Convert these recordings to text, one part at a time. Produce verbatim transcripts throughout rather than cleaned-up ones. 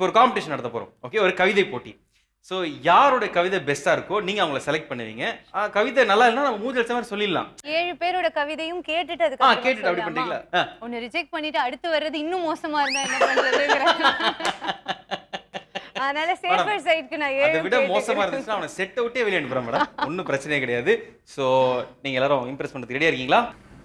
ஒரு காம்படிஷன் நடத்த போறோம். ஓகே, ஒரு கவிதை போட்டி. ஸோ யாரோட கவிதை பெஸ்டா இருக்கோ நீங்க அவங்கள செலக்ட் பண்ணுவீங்க. கவிதை நல்லா இல்லைன்னா நம்ம மூஞ்சி அடிச்ச மாதிரி சொல்லிடலாம். ஏழு பேரோட கவிதையும் கேட்டுட்டு அதுக்கு ஆ கேட்டுட்டு அப்படி பண்றீங்களா? ஒன்னு ரிஜெக்ட் பண்ணிட்டு அடுத்து வர்றது இன்னும் மோசமா இருந்தா என்ன பண்றதுங்கற. அதனால சேஃபர் சைடுக்கு நான் ஏழு. அதை விட மோசமா இருந்துச்சுன்னா அவனை செட் அவுட்டே வெளிய அனுப்புறேன் மேடம். ஒன்றும் பிரச்சனையே கிடையாது. ஸோ நீங்க எல்லாரும் இம்ப்ரெஸ் பண்றதுக்கு ரெடியா இருக்கீங்களா?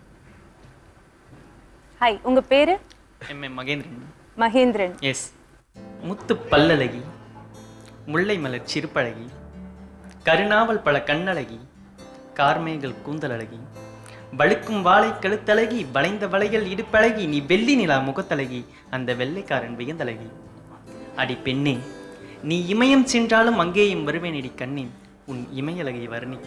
ஹாய், உங்க பேரு? M M Mahendran. Mahendran. Yes. முத்து பல்லழகி, முல்லை மலர் சிறுப்பழகி, கருணாவல் பல கண்ணழகி, கார்மேகல் கூந்தலழகி, வழுக்கும் வாழை கழுத்தழகி, வளைந்த வளைகள் இடுப்பழகி, நீ வெள்ளி நிலா முகத்தழகி, அந்த வெள்ளைக்காரன் வியந்தழகி. அடி பெண்ணே, நீ இமயம் சென்றாலும் அங்கேயும் வருவேன் அடி கண்ணே, உன் இமையழகை வர்ணிக்க.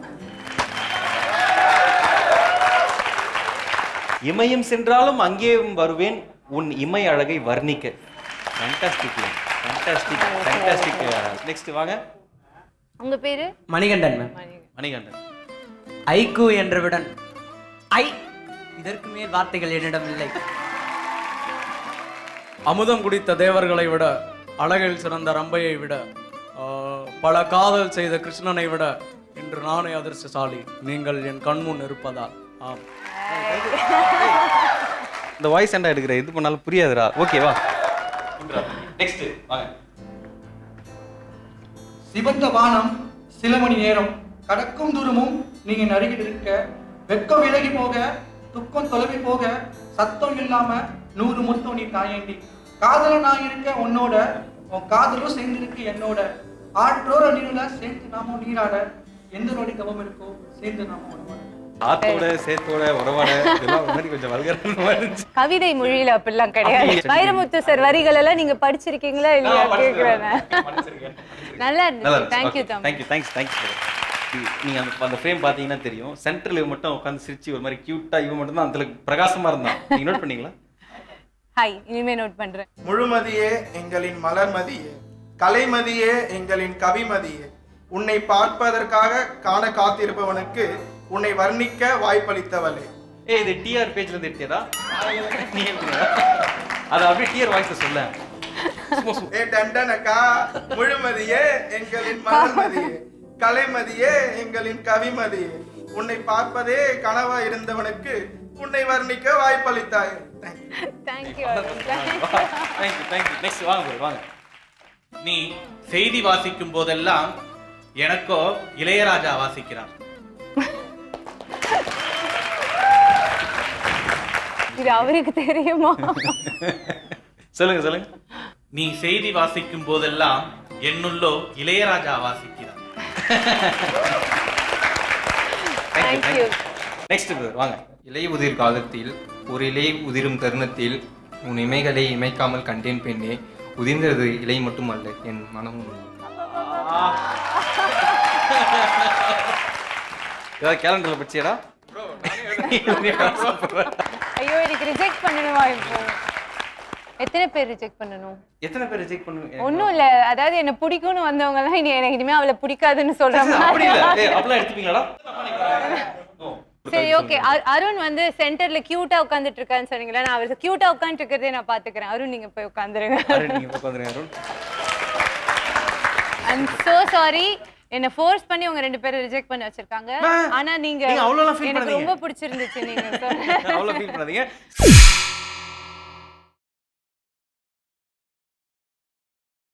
இமயம் சென்றாலும் அங்கேயும் வருவேன் உன் இமை அழகை வர்ணிக்க. Fantastic fantastic fantastic. நெக்ஸ்ட் வாங்க. உங்க பேரு? மணிகண்டன் மேம். மணிகண்டன். ஐக்கு என்றவுடன் ஐ, இதற்கு மேல் வார்த்தைகள் என்னிடம் இல்லை. அமுதம் குடித்த தேவர்களை விட, அழகில் சிறந்த ரம்பையை விட, பல காதல் செய்த கிருஷ்ணனை விட இன்று நானே அதிர்ஷ்டசாலி, நீங்கள் என் கண்முன் இருப்பதால். ஆம். இந்த வாய்ஸ் ஏண்டா எடுக்கிற, இது பண்ணாலும் புரியாதுடா. ஓகேவா? நெக்ஸ்ட் வாங்க. சிவந்த வானம் சில மணி நேரம் கடக்கும் தூரமும் நீங்க நருகில் இருக்க, வெக்கம் விலகி போக, துக்கம் தொலைவி போக, சத்தம் இல்லாம நூறு முத்தம் நீ தாயண்டி, காதல நான் இருக்க உன்னோட, உன் காதலும் சேர்ந்திருக்கு என்னோட, ஆற்றோர நீர்ல சேர்ந்து நாமும் நீராட, எந்த நொடி தவம் இருக்கோ சேர்ந்து நாமும் உணவாட. ஆத்தோட சேத்தோட உறவாட இதெல்லாம் மாதிரி கொஞ்சம் வல்கரமா இருந்துச்சு. கவிதை மொழியில அப்படிலாம் கிடையாது. வைரமுத்து சார் வரிகள் எல்லாம் நீங்க படிச்சிருக்கீங்களா இல்லையா கேக்குறேன். நல்லா இருந்துச்சு. Thank you தம்பி. Thank you. Thanks. Thanks. நீங்க அந்த அந்த ஃப்ரேம் பாத்தீங்கன்னா தெரியும். சென்டர்ல மட்டும் உட்கார்ந்து சிரிச்சு ஒரு மாதிரி கியூட்டா இவன் மட்டும் தான் அந்த பிரகாசமா இருந்தான். நீங்க நோட் பண்ணீங்களா? ஹாய், இனிமே நோட் பண்றேன். முழுமதியே எங்களின் மலர்மதியே, கலைமதியே எங்களின் கவிமதியே, உன்னை பார்ப்பதற்காக காண காத்திருப்பவனுக்கு உன்னை வர்ணிக்க வாய்ப்பளித்தவளே. ஏய், இது டிஆர் பேஜ்ல இருந்து எடுத்தியடா? நீ எடுத்தியா? அத அப்படியே டிஆர் வாய்ஸ்ல சொல்ல. ஏ டண்டனக்கா, முழுமதியே எங்களின் மலர்மதியே, கலைமதியே எங்களின் கவிமதியே, உன்னை பார்ப்பதே கனவா இருந்தவனுக்கு உன்னை வர்ணிக்க வாய்ப்பளித்தாய். Thank you. Thank you. Thank you. Next வாங்க bro, வாங்க. நீ செய்தி வாசிக்கும் போதெல்லாம் எனக்கோ இளையராஜா வாசிக்கிறான். இது அவருக்கு தெரியுமா? சொல்லுங்க சொல்லுங்க. நீ செய்தி வாசிக்கும் போதெல்லாம் என்னுள்ளோ Ilaiyaraaja வாசிக்கிறான். Thank you. Next bro, வாங்க. இலை உதிர் காலத்தில் ஒரு இலை உதிரும் தருணத்தில் உன் இமைகளை இமைக்காமல் கண்டேன் பெண்ணே, உதிர்ந்தது இலை மட்டுமல்ல என் மனமும். ஏதாவது கேலண்டர்ல படிச்சியடா? ஐயோ, எனக்கு ரிஜெக்ட் பண்ணணுமா இப்போ? எத்தனை பேர் ரிஜெக்ட் பண்ணணும்? எத்தனை பேர் ரிஜெக்ட் பண்ணுவீங்க? ஒண்ணும் இல்ல, அதாவது என்ன பிடிக்கும்னு வந்தவங்க எல்லாம் இனி எனக்கு இனிமே அவளை பிடிக்காதுன்னு சொல்றாங்க. அப்படி இல்ல. ஏய், அப்படிலாம் எடுத்துப்பீங்களாடா? சரி, ஓகே. அருண் வந்து சென்டர்ல கியூட்டா உட்கார்ந்துட்டு இருக்கான்னு சொன்னீங்களா? நான் அவர் கியூட்டா உட்கார்ந்துட்டு இருக்கிறதே நான் பாத்துக்கிறேன். அருண் நீங்க போய் உட்கார்ந்துருங்க. அருண் நீங்க போய் உட்கார்ந்துருங்க அருண். I'm so sorry. என்ன ஃபோர்ஸ் பண்ணி உங்க ரெண்டு பேரை ரிஜெக்ட் பண்ணி வச்சிருக்காங்க. ஆனா நீங்க நீங்க அவ்வளவுலாம் ஃபீல் எனக்கு பண்ணாதீங்க. ரொம்ப பிடிச்சிருந்துச்சு நீங்க சொன்ன. அவ்வளவு ஃபீல் பண்ணாதீங்க.